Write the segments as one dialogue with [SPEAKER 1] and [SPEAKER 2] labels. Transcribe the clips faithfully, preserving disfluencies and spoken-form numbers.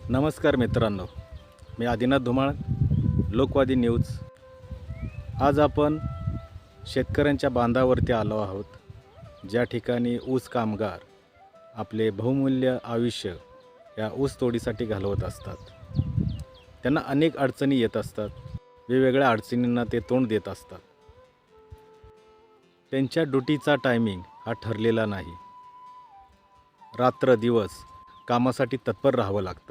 [SPEAKER 1] नमस्कार मित्रांनो, मी आदिनाथ धुमाळ, लोकवादी न्यूज। आज आपण शेतकऱ्यांच्या बांधावरती आलो आहोत, ज्या ठिकाणी ऊस कामगार आपले बहुमूल्य आयुष्य या ऊस तोडीसाठी घालवत असतात। त्यांना अनेक अडचणी येत असतात, वेगवेगळ्या अडचणींना ते तोंड देत असतात। त्यांच्या ड्युटीचा टायमिंग हा ठरलेला नाही, रात्र दिवस कामासाठी तत्पर राहावं लागतं।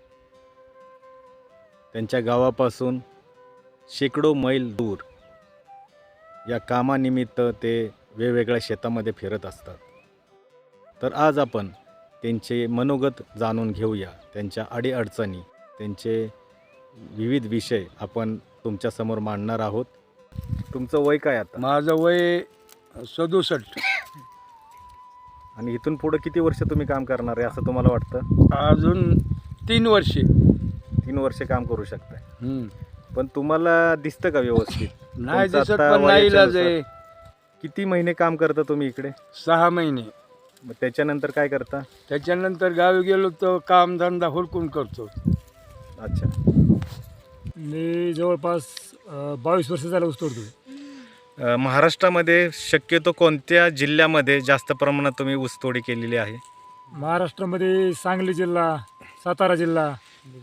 [SPEAKER 1] त्यांच्या गावापासून शेकडो मैल दूर या कामानिमित्त ते वेगवेगळ्या शेतामध्ये फिरत असतात। तर आज आपण त्यांचे मनोगत जाणून घेऊया, त्यांच्या अडीअडचणी, त्यांचे विविध विषय आपण तुमच्या समोर मांडणार आहोत। तुमचं वय काय आता?
[SPEAKER 2] माझं वय सदुसष्ट।
[SPEAKER 1] आणि इथून पुढे किती वर्ष तुम्ही काम करणार आहे असं तुम्हाला वाटतं?
[SPEAKER 2] अजून तीन वर्षे
[SPEAKER 1] तीन वर्ष काम करू शकताय,
[SPEAKER 2] हम्म.
[SPEAKER 1] पण तुम्हाला दिसतं का व्यवस्थित?
[SPEAKER 2] नाही
[SPEAKER 1] तुमचं
[SPEAKER 2] दिसत,
[SPEAKER 1] आता
[SPEAKER 2] पण नाही इलाज
[SPEAKER 1] वयाच्यानुसार
[SPEAKER 2] आहे।
[SPEAKER 1] किती महिने काम करता तुम्ही इकडे?
[SPEAKER 2] सहा महिने।
[SPEAKER 1] मग त्याच्यानंतर काय करता?
[SPEAKER 2] त्याच्यानंतर गावी गेलो तर कामधंदा हुडकून करतो।
[SPEAKER 1] अच्छा,
[SPEAKER 3] मी जवळपास अ, बावीस वर्ष झालं ऊस तोडतो।
[SPEAKER 1] अ, महाराष्ट्रामध्ये शक्यतो कोणत्या जिल्ह्यामध्ये जास्त प्रमाणात तुम्ही ऊसतोडी केलेली आहे?
[SPEAKER 3] महाराष्ट्रामध्ये सांगली जिल्हा, सातारा जिल्हा,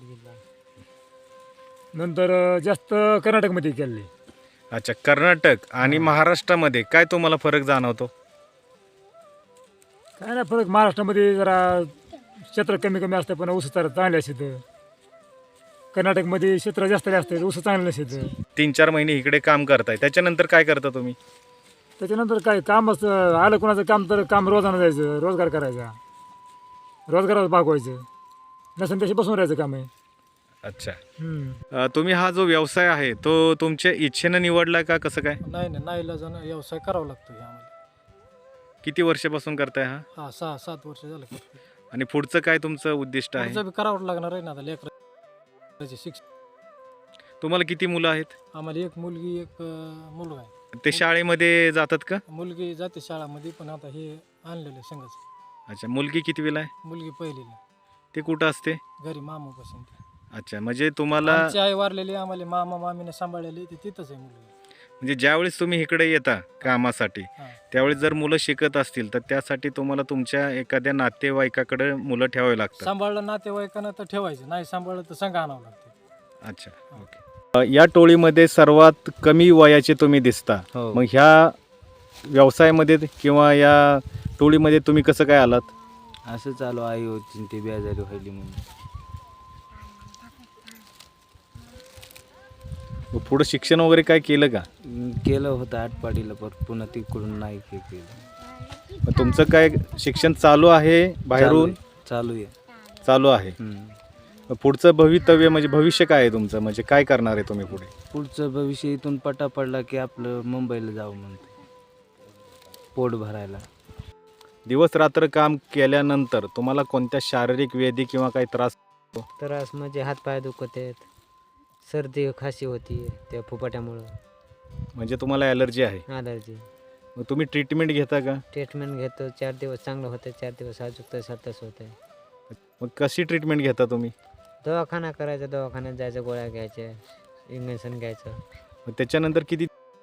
[SPEAKER 3] नंतर अ, जास्त कर्नाटकमध्ये केले।
[SPEAKER 1] अच्छा, कर्नाटक आणि महाराष्ट्रामध्ये काय तुम्हाला फरक जाणवतो?
[SPEAKER 3] काय नाही फरक, महाराष्ट्रामध्ये जरा क्षेत्र कमी कमी असतं पण ऊस तर चांगले असते। कर्नाटकमध्ये क्षेत्र जास्त असते, ऊस चांगले नसते।
[SPEAKER 1] तीन चार महिने इकडे काम करताय, त्याच्यानंतर काय करता तुम्ही?
[SPEAKER 3] त्याच्यानंतर काय काम असतं, आलं कोणाचं काम तर काम रोजानं जायचं, रोजगार करायचा, रोजगारात भागवायचं, नसेल तशी बसून राहायचं काम आहे।
[SPEAKER 1] अच्छा,
[SPEAKER 3] हम्म.
[SPEAKER 1] अ, तुम्ही हा जो व्यवसाय आहे तो तुमच्या इच्छेनं निवडला का कसं काय?
[SPEAKER 4] नाही नाही नाही इलाजानं व्यवसाय करावा लागतो हे आम्हाला।
[SPEAKER 1] किती वर्षापासून करताय हा?
[SPEAKER 4] हा सहा सात वर्ष झालं करतो।
[SPEAKER 1] आणि पुढचं काय तुमचं उद्दिष्ट आहे?
[SPEAKER 4] पुढचं बी करावं लागणार आहे ना आता, लेकराचे शिक्षण।
[SPEAKER 1] तुम्हाला किती मुलं आहेत?
[SPEAKER 4] आम्हाला एक मुलगी एक अं, मुलगा आहे।
[SPEAKER 1] ते शाळेमध्ये जातात का?
[SPEAKER 4] मुलगी जाते शाळामध्ये, पण आता हे आणलेलं संघच।
[SPEAKER 1] अच्छा, मुलगी कितवीला आहे?
[SPEAKER 4] मुलगी पहिलीला,
[SPEAKER 1] ते कुठं असते?
[SPEAKER 4] घरी मामापासून।
[SPEAKER 1] अच्छा, म्हणजे तुम्हाला
[SPEAKER 4] आमची आई वारलेली, आम्हाला मामा मामीने सांभाळलेली, ते तिथंच आहे मुलगी।
[SPEAKER 1] म्हणजे ज्यावेळेस तुम्ही इकडे येता कामासाठी,
[SPEAKER 4] हा.
[SPEAKER 1] त्यावेळेस जर मुलं शिकत असतील तर त्यासाठी तुम्हाला तुमच्या एखाद्या नातेवाईकाकडे मुलं ठेवावे लागतात?
[SPEAKER 4] सांभाळलं नातेवाईकांना तर ठेवायचं, नाही सांभाळलं तर संघ आणावं लागतं।
[SPEAKER 1] अच्छा, ओके। अ, या टोळीमध्ये सर्वात कमी वयाचे तुम्ही दिसता,
[SPEAKER 5] हो.
[SPEAKER 1] मग ह्या व्यवसायामध्ये किंवा या टोळीमध्ये तुम्ही कसं काय आलात?
[SPEAKER 5] असं चालू आई होती ते बेजारी व्हायली म्हणून
[SPEAKER 1] मग पुढं शिक्षण वगैरे काय केलं का?
[SPEAKER 5] अं, केलं होतं आटपाडीला, पण पुन्हा तिकडून नाही के केलं।
[SPEAKER 1] मग तुमचं काय शिक्षण चालू आहे बाहेरून?
[SPEAKER 5] चालू आहे
[SPEAKER 1] चालू आहे।
[SPEAKER 5] हम्म.
[SPEAKER 1] मग पुढचं भवितव्य म्हणजे भविष्य काय आहे तुमचं, म्हणजे काय करणार आहे तुम्ही पुढे?
[SPEAKER 5] पुढचं भविष्य इथून पटा पडला की आपलं मुंबईला जाऊ म्हणतो, पोट भरायला।
[SPEAKER 1] दिवस रात्र काम केल्यानंतर तुम्हाला कोणत्या शारीरिक व्याधी किंवा काही त्रास?
[SPEAKER 6] त्रास म्हणजे हातपाय दुखत आहेत, सर्दी खाशी होती त्या फुपाट्यामुळं,
[SPEAKER 1] म्हणजे तुम्हाला ॲलर्जी आहे?
[SPEAKER 6] ॲलर्जी।
[SPEAKER 1] मग तुम्ही ट्रीटमेंट घेता का?
[SPEAKER 6] ट्रीटमेंट घेतो, चार दिवस चांगलं होतं, चार दिवस अजून तसं तसं होतं।
[SPEAKER 1] मग कशी ट्रीटमेंट घेता तुम्ही?
[SPEAKER 6] दवाखाना करायचा, दवाखान्यात जायचं, गोळ्या घ्यायच्या, इंजेक्शन घ्यायचं।
[SPEAKER 1] मग त्याच्यानंतर किती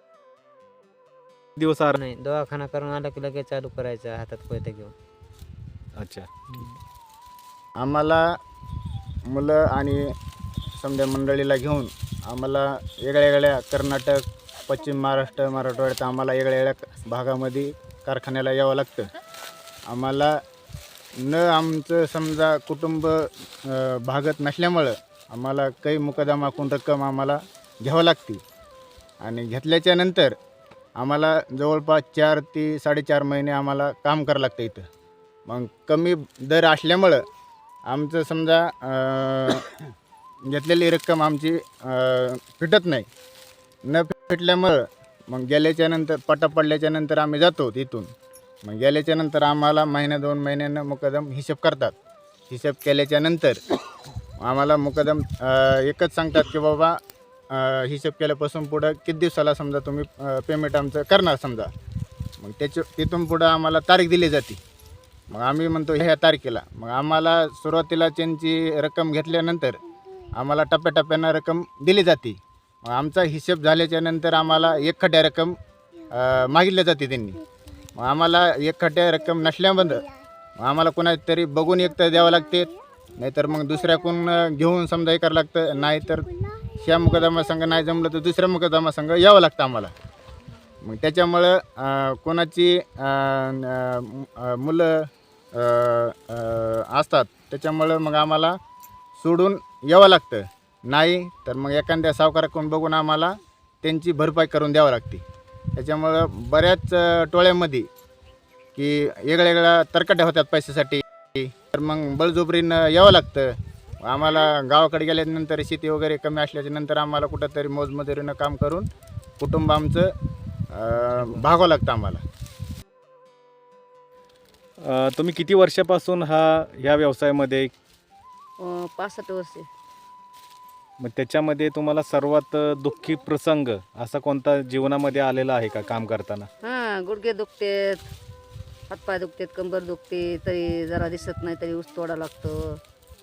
[SPEAKER 1] दिवस आराम?
[SPEAKER 6] नाही, दवाखाना करून आलं की लगेच चालू करायचं हातात कोयता घेऊन।
[SPEAKER 1] अच्छा,
[SPEAKER 7] आम्हाला मुलं आणि समजा मंडळीला घेऊन आम्हाला वेगळ्या वेगळ्या कर्नाटक, पश्चिम महाराष्ट्र, मराठवाड्यात आम्हाला वेगळ्या वेगळ्या भागामध्ये कारखान्याला यावं लागतं। आम्हाला न आमचं समजा कुटुंब अ, भागत नसल्यामुळं आम्हाला काही मुकदमाकून रक्कम आम्हाला घ्यावं लागते, आणि घेतल्याच्या नंतर आम्हाला जवळपास चार ते साडेचार महिने आम्हाला काम करावं लागतं इथं। मग कमी दर असल्यामुळं आमचं समजा अ, घेतलेली रक्कम आमची अ, फिटत नाही। न फिटल्यामुळं मग गेल्याच्या नंतर पटा पडल्याच्या नंतर आम्ही जातो तिथून। मग गेल्याच्या नंतर आम्हाला महिन्या दोन महिन्यानं मुकदम हिशेब करतात। हिशेब केल्याच्या नंतर आम्हाला मुकदम अ, एकच सांगतात की बाबा अ, हिशेब केल्यापासून पुढं किती दिवसाला समजा तुम्ही पेमेंट आमचं करणार समजा, मग त्याच्या तिथून पुढं आम्हाला तारीख दिली जाते। मग आम्ही म्हणतो ह्या तारखेला. मग आम्हाला सुरुवातीला त्यांची रक्कम घेतल्यानंतर आम्हाला टप्प्याटप्प्यानं रक्कम दिली जाते. मग आमचा हिशोब झाल्याच्या नंतर आम्हाला एकखट्या रक्कम अ, मागितल्या जाते त्यांनी. मग आम्हाला एकखट्या रक्कम नसल्याबद्दल मग आम्हाला कोणातरी बघून एक तर द्यावं लागते, नाहीतर मग दुसऱ्याकडून घेऊन समजा हे करावं लागतं. नाहीतर ह्या मुकदमा संघ नाही जमलं तर दुसऱ्या मुकदमा संघ यावं लागतं आम्हाला. मग त्याच्यामुळं अ, कोणाची अ, अ, मुलं अ, अ, असतात त्याच्यामुळं मग आम्हाला सोडून यावं लागतं. नाही तर मग एखाद्या सावकाराकडून बघून आम्हाला त्यांची भरपाई करून द्यावं लागते. त्याच्यामुळं बऱ्याच अ, टोळ्यामध्ये की वेगळ्या वेगळ्या तरकट्या होतात पैशासाठी. तर मग बळजबरीनं यावं लागतं. आम्हाला गावाकडे गेल्यानंतर शेती वगैरे कमी असल्याच्या नंतर आम्हाला कुठंतरी मोजमजुरीनं काम करून कुटुंब आमचं अ, भागावं लागतं आम्हाला.
[SPEAKER 1] अ, तुम्ही किती वर्षापासून हा ह्या व्यवसायामध्ये,
[SPEAKER 8] अं, पासष्ट वर्षे.
[SPEAKER 1] मग त्याच्यामध्ये तुम्हाला सर्वात दुःखी प्रसंग असा कोणता जीवनामध्ये आलेला आहे का काम करताना?
[SPEAKER 8] हां, गुडघे दुखतेत, हातपाय दुखतेत, कंबर दुखते, तरी जरा दिसत नाही तरी ऊस तोडा लागतो.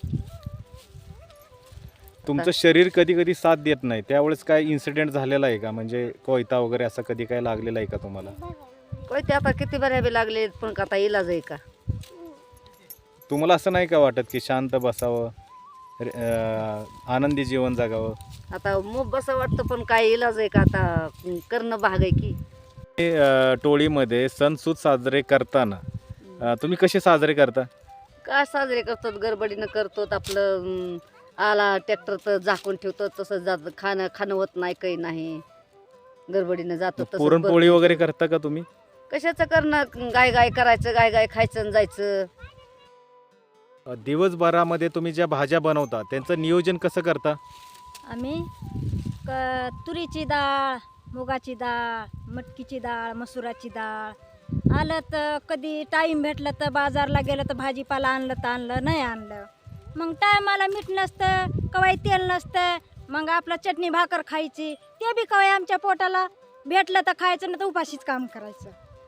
[SPEAKER 1] तुमचं शरीर कधी कधी साथ देत नाही, त्यावेळेस काय इन्सिडेंट झालेला आहे का? म्हणजे कोयता वगैरे असं कधी काय लागलेला आहे का तुम्हाला?
[SPEAKER 8] कोयते आता किती बऱ्या बी लागले, पण आता इलाज आहे का?
[SPEAKER 1] तुम्हाला असं नाही का वाटत की शांत बसावं, रे- अं, आनंदी जीवन जगावं?
[SPEAKER 8] आता मूग बसं वाटतं, पण काय इलाज आहे का? आता करणं भाग आहे की.
[SPEAKER 1] हे, अं, टोळीमध्ये सणसूद साजरे करताना अं, तुम्ही कसे साजरे करता?
[SPEAKER 8] काय साजरे करतात, गडबडीनं करतो. आपलं अं, आला ट्रॅक्टर तर झाकून ठेवतो, तसंच जात. खाणं खाणं होत नाही, काही नाही, गडबडीनं जातो. तसंच
[SPEAKER 1] पुरणपोळी
[SPEAKER 8] बरं.
[SPEAKER 1] वगैरे करता का तुम्ही?
[SPEAKER 8] कशाचं करणं, गाय गाय करायचं, गाय गाय खायचं आणि जायचं.
[SPEAKER 1] अं, दिवसभरामध्ये तुम्ही ज्या भाज्या बनवता त्यांचं नियोजन कसं करता?
[SPEAKER 9] आम्ही क तुरीची डाळ, मुगाची डाळ, मटकीची डाळ, मसुराची डाळ, आलं तर कधी टाईम भेटलं तर बाजारला गेलं तर भाजीपाला आणलं तर आणलं, नाही आणलं मग टायमाला मीठ नसतं, कवाई तेल नसतं, मग आपलं चटणी भाकर खायची. ते बी कवाई आमच्या पोटाला भेटलं तर खायचं, नाही तर उपाशीच काम करायचं.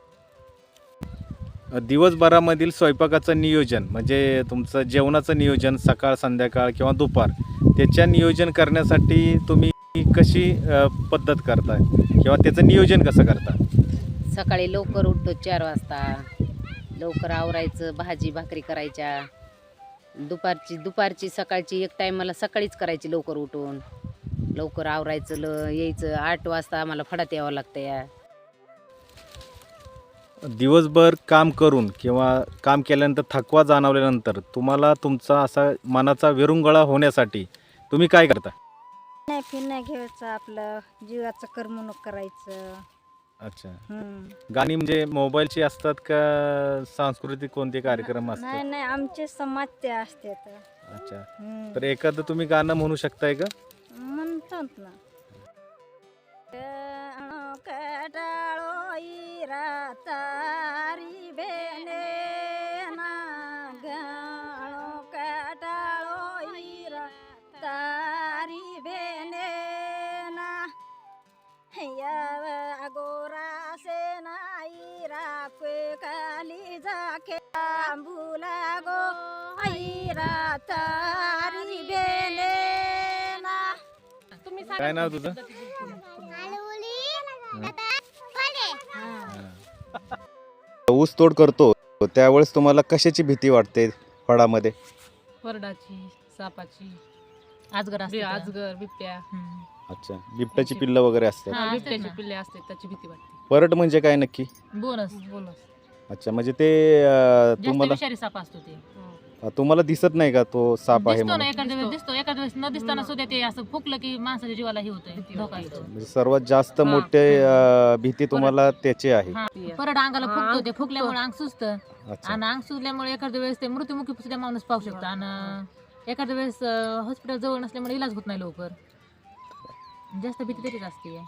[SPEAKER 1] अं, दिवसभरामधील स्वयंपाकाचं नियोजन म्हणजे तुमचं जेवणाचं नियोजन सकाळ संध्याकाळ किंवा दुपार, त्याच्या नियोजन करण्यासाठी तुम्ही कशी अं, पद्धत करता किंवा त्याचं नियोजन कसं करता?
[SPEAKER 10] सकाळी लवकर उठतो चार वाजता, लवकर आवरायचं, भाजी भाकरी करायच्या. दुपारची दुपारची सकाळची एक टाईमाला सकाळीच करायची, लवकर उठून लवकर आवरायचं, ल यायचं. आठ वाजता आम्हाला फडात यावं लागतं. या
[SPEAKER 1] दिवसभर काम करून किंवा काम केल्यानंतर थकवा जाणवल्यानंतर तुम्हाला तुमचा असा मनाचा विरंगुळा होण्यासाठी तुम्ही काय करता?
[SPEAKER 9] नाही फिरण्या घ्यायचं, आपलं जीवाचं करमणूक करायचं.
[SPEAKER 1] अच्छा,
[SPEAKER 9] हम्म.
[SPEAKER 1] गाणी म्हणजे मोबाईलची असतात का सांस्कृतिक कोणते कार्यक्रम
[SPEAKER 9] नाही
[SPEAKER 1] असतात?
[SPEAKER 9] नाही आमचे समाजचे असते तर.
[SPEAKER 1] अच्छा,
[SPEAKER 9] हम्म.
[SPEAKER 1] तर एखादं तुम्ही गाणं म्हणू शकताय का?
[SPEAKER 9] म्हणतात ना. गाणो कटाळो इरा तारी बेने ना, गाणो कटाळो इरा तारी बेने ना, याव अगोरा से ना इरा के काली जाके आंबुला गो इरा तारी बेने ना.
[SPEAKER 1] काय नाव तुझं? ऊस तोड करतो त्यावेळेस तुम्हाला कशाची भीती वाटते फळामध्ये?
[SPEAKER 11] वरडाची, सापाची, आजगर असते, आजगर, बिबट्या.
[SPEAKER 1] अच्छा, बिबट्याची पिल्लं वगैरे असतात.
[SPEAKER 11] हा, बिबट्याची पिल्ले असते, त्याची भीती वाटते.
[SPEAKER 1] परट म्हणजे काय नक्की?
[SPEAKER 11] बोनस बोनस
[SPEAKER 1] अच्छा, म्हणजे ते अं,
[SPEAKER 11] जास्त
[SPEAKER 1] तुम्हाला
[SPEAKER 11] विषारी साप असतो ते.
[SPEAKER 1] तुम्हाला दिसत नाही का तो साप आहे
[SPEAKER 11] दिसतो ना,
[SPEAKER 1] म्हणून?
[SPEAKER 11] एखाद्या वेळेस दिसतो, एखाद्या वेळेस न दिसताना सुद्धा ते असं फुकलं की माणसाच्या जीवाला हे होतंय, धोका येतो.
[SPEAKER 1] म्हणजे सर्वात जास्त
[SPEAKER 11] हा.
[SPEAKER 1] मोठे अं, भीती तुम्हाला त्याची आहे.
[SPEAKER 11] हा, परत अंगाला फुकतो, ते फुकल्यामुळे अंग सुजतं,
[SPEAKER 1] अच्छा,
[SPEAKER 11] आणि अंग सुजल्यामुळे एखाद्या वेळेस ते मृत्युमुखी सुद्धा माणूस पाहू शकतो. आणि एखाद्या वेळेस हॉस्पिटल जवळ नसल्यामुळे इलाज होत नाही लवकर. जास्त भीती त्याचीच असते.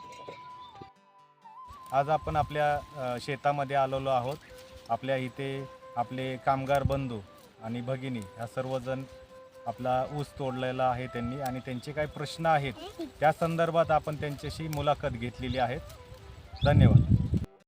[SPEAKER 1] आज आपण आपल्या अ, शेतामध्ये आलेलो आहोत. आपल्या इथे आपले कामगार बंधू आणि भगिनी ह्या सर्वजण आपला ऊस तोडलेला आहे त्यांनी, आणि त्यांचे काही प्रश्न आहेत त्या संदर्भात आपण त्यांच्याशी मुलाखत घेतलेली आहे. धन्यवाद.